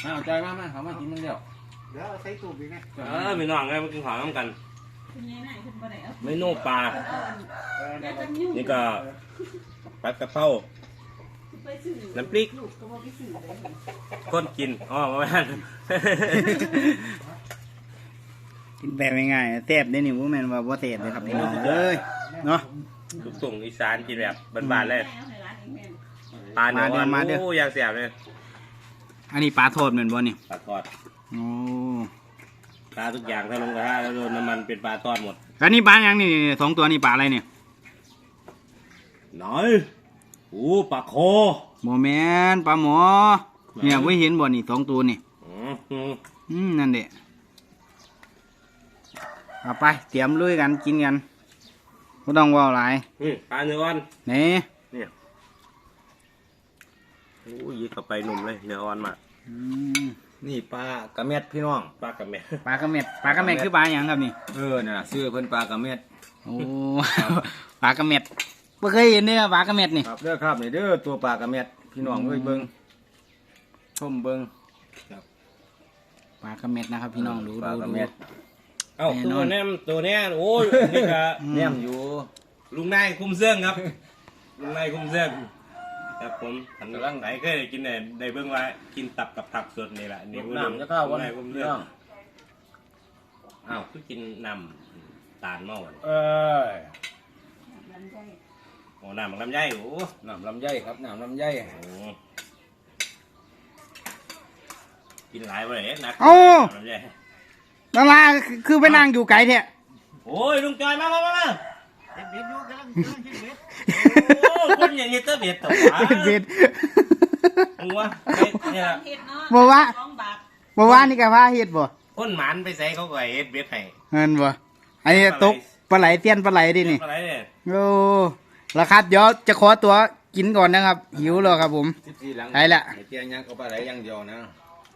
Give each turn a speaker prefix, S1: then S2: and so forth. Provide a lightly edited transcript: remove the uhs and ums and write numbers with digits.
S1: เอาใจมากเขามากินมึงเดียว
S2: เดี๋ยวใส่ตู้อีกไง
S3: ไม่น้องไงมันกินของน้ำกันเมนูปลานี่ก็ปลากระเพราน้ำพริกก้นกินอ๋อมาบ้าน
S4: กินแบบง่ายๆแซ่บได้นี่ว่าแม่นว่าบ่แซ่บเลยครับพี่น้องเอ้ยเนาะ
S3: ลูกส่งอีสานกินแบบบ้านๆเลยปลาเนื้อโอ้ยางเสียบเลย
S4: อันนี้ปลาทอดเหมือนบ่นี่
S3: ปลาทอด
S4: โอ้
S3: ปลาทุกอย่างถ้าลงกระทะแล้วโดนน้ำมันเป็นปลาทอดหมด
S4: อันนี้ปลาอย่างนี่2ตัวนี่ปลาอะไรเนี่ย
S3: น้อยโอ้ปลาโค
S4: บ่แม่นปลาหมอเนี่ยบ่เห็นบ่นี่2ตัวนี่นั่นแหละเอาไปเตรียมลุยกันกินกันไม่ต้องว่าหลาย
S3: ปลาเนื้ออ่อน
S4: นี่
S3: โอ้ยยิงเข้าไปหนุ่มเลยเนื้ออ่อนมาก
S1: นี่ปลากระเม็ดพี่น้อง
S3: ปลากระเม็ด
S4: ปลากระเม็ดคือปลาอย่างครับนี่
S1: นี่นะซื้อเพิ่นปลากระเม็ด
S4: โอ้ปลากระเม็ดไม่เคยเห็นเนี่ยปลากระเม็ดนี่
S1: ครับเด้อครับนี่เด้อตัวปลากระเม็ดพี่น้องเอ้ยเบิ้งชมเบิ้ง
S4: ปลากระเม็ดนะครับพี่น้องดู
S1: ปลากระเม็ด
S3: เอ้าตัวนี้โอ้ยนี่ก็
S1: แนมอยู่
S3: ลุงนายคุ้มเสื้อครับลุงนายคุ้มเสื้อครับผมกำลังไหนเคยกินได้เบิ่งว่ากินตับกับผักสดนี่แหละนี่
S1: น้ำจะเข้าวันไหนคุ้มเสื้อ
S3: อ้าวคือกินน้ำตาลเมาโอ้น้ำลำไยโอ้
S1: น้ำลำไยครับน้ำลำไย
S3: กินหลายไปเลยนักลำไย
S4: ดาราคือไปนั่งอยู่ไกลแท้
S3: โอ้ยลุงจอยมา
S2: เบ็ดอยู่กำลังคิดเบ็ด
S3: โอ้คนอย่างนี้เตอเบ็ดตัว
S4: เบ็ด
S3: มึงวะเนี่ย
S4: บอกว่านี่กับพาเฮ็ดบ่
S3: คนหมันไปใส่เขาก็เฮ็ดเบ็ดให้
S4: เงินบ่อันนี้ตกปลาไหลเตี้ยนปลาไหลดินี่โอ้แล้วครับเดี๋ยวจะขอตัวกินก่อนนะครับหิวแล้วครับผม
S1: ไป
S4: ละ
S1: เตี้ยยังก็ปลาไหลยังเดียวนะ